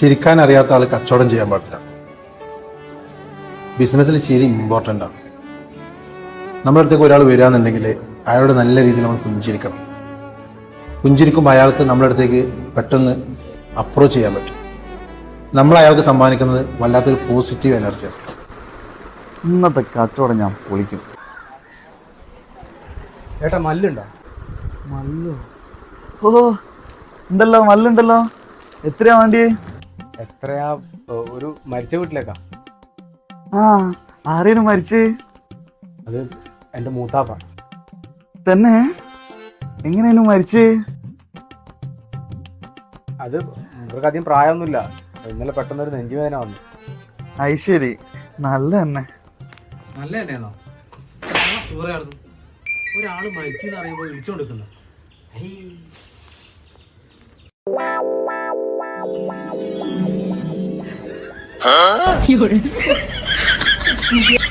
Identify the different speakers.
Speaker 1: ചിരിക്കാൻ അറിയാത്ത ആൾ കച്ചവടം ചെയ്യാൻ പാടില്ല. ബിസിനസ്സിൽ ചിരി ഇമ്പോർട്ടൻ്റ് ആണ്. നമ്മുടെ അടുത്തേക്ക് ഒരാൾ വരികയെന്നുണ്ടെങ്കിൽ അയാളോട് നല്ല രീതിയിൽ നമ്മൾ പുഞ്ചിരിക്കണം. പുഞ്ചിരിക്കുമ്പോൾ അയാൾക്ക് നമ്മുടെ അടുത്തേക്ക് പെട്ടെന്ന് അപ്രോച്ച് ചെയ്യാൻ പറ്റും. നമ്മൾ അയാൾക്ക് സമ്മാനിക്കുന്നത് വല്ലാത്തൊരു പോസിറ്റീവ് എനർജിയാണ്.
Speaker 2: ഇന്നത്തെ കച്ചവടം ഞാൻ പൊളിക്കും.
Speaker 3: ഏട്ടാ മല്ലുണ്ടോ?
Speaker 2: മല്ലോ? ഓ ഉണ്ടല്ലോ, മല്ലുണ്ടല്ലോ. എത്രയാ വേണ്ടി?
Speaker 3: എത്രയാ? ഒരു മരിച്ച വീട്ടിലേക്കാ.
Speaker 2: ആ, ആരേനും മരിച്ച്?
Speaker 3: അത് എൻ്റെ മൂത്താപ്പ.
Speaker 2: തന്നെ? എങ്ങനെയായിരുന്നു മരിച്ച്?
Speaker 3: അത് ഇവർക്ക് അധികം പ്രായമൊന്നുമില്ല. ഇന്നലെ പെട്ടെന്നൊരു നെഞ്ചുവേദന വന്നു.
Speaker 2: അത് ശരി, നല്ല തന്നെ.
Speaker 4: നല്ല തന്നെയാണോ? സൂറായിരുന്നു. ഒരാള് മരിച്ചു എന്ന് അറിയുമ്പോൾ വിളിച്ചോണ്ടിരിക്കുന്നു.
Speaker 5: 有人。